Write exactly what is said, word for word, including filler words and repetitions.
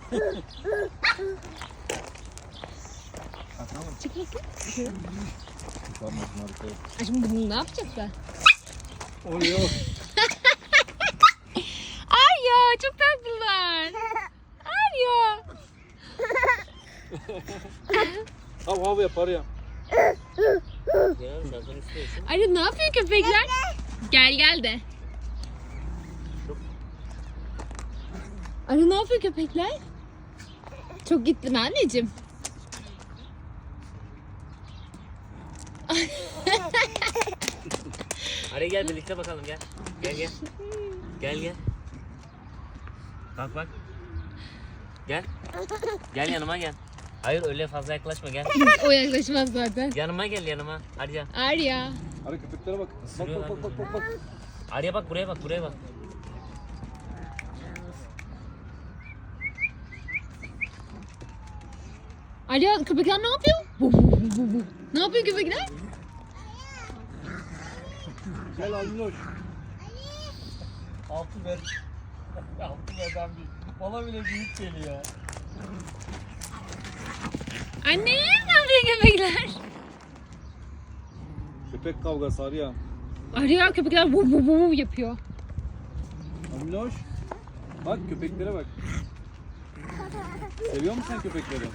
Çık bakayım. Tamam, harika. Ay şimdi bunu ne yapacaklar? Oluyor. Arya çok tatlılar. Arya. Hav hav yapar ya. Arya ne yapıyor köpekler? Gel gel de. Arya ne yapıyor köpekler? Çok gittin anneciğim. Araya gel birlikte bakalım gel. Gel gel. Gel gel. Bak bak. Gel. Gel yanıma gel. Hayır öyle fazla yaklaşma gel. O yaklaşmaz zaten. Yanıma gel yanıma. Arya. Arya. Hadi köpeklere bak. Bak bak bak bak bak. bak. Arya bak buraya bak buraya bak. Arya köpekler ne yapıyor? Bu, bu, bu, bu, bu. Ne yapıyor köpekler? Gel Alminoş. Altı ver. Altı verden bir. Bana bile büyük geliyor. Anne ne yapıyor köpekler? Köpek kavgası Arya. Arya köpekler bu bu bu yapıyor. Alminoş. Bak köpeklere bak. Seviyor musun sen köpekleri?